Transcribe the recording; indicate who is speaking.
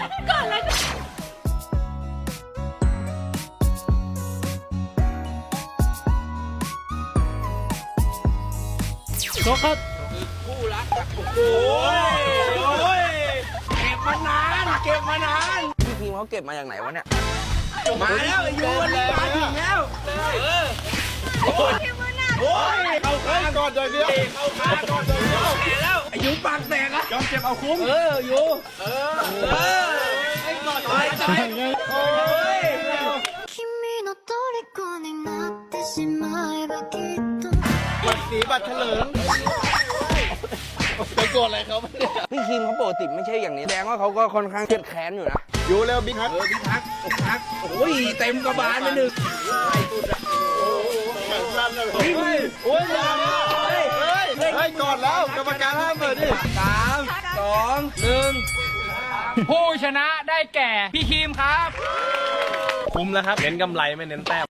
Speaker 1: ก่อนเลยโชคครับคู่รักโอ้ยเก็บมานานพี่ทีมเขาเก็บมาจากไหนวะเนี่ยมาแล้วอยู่วันนี้มาถึงแล้วโอ้ยเข้าข้างก่อนเลยเดียวเข้าข้างก่อนเลยเดียวแล้วอายุปากแตกอะยอมเจ็บเอาคุ้มอยู่ให้ก่อนไปโอ้ย
Speaker 2: 君の虜になってしまえばきっと
Speaker 3: บัตรสีบัตรเถลิงไปโกรธอะไรเขาเนี่ย
Speaker 4: พี่คิมเขาปกติไม่ใช่อย่างนี้แสดงว่าเขาก็ค่อนข้างเครียดแค้นอยู่นะ
Speaker 3: อยู่เร็วบิ๊กฮัก
Speaker 4: พี่ทักโอ้ยเต็มกระบาลไปหนึ่ง
Speaker 3: วิ่งโอ้ยอย่าเฮ้ยก่อนแล้วกรรมการห้ามเปิดดิ
Speaker 4: 3 2 1
Speaker 1: ผู้ชนะได้แก่พี่คิมครับ
Speaker 5: คุ้มแล้วครับเน้นกำไรไม่เน้นแต้ม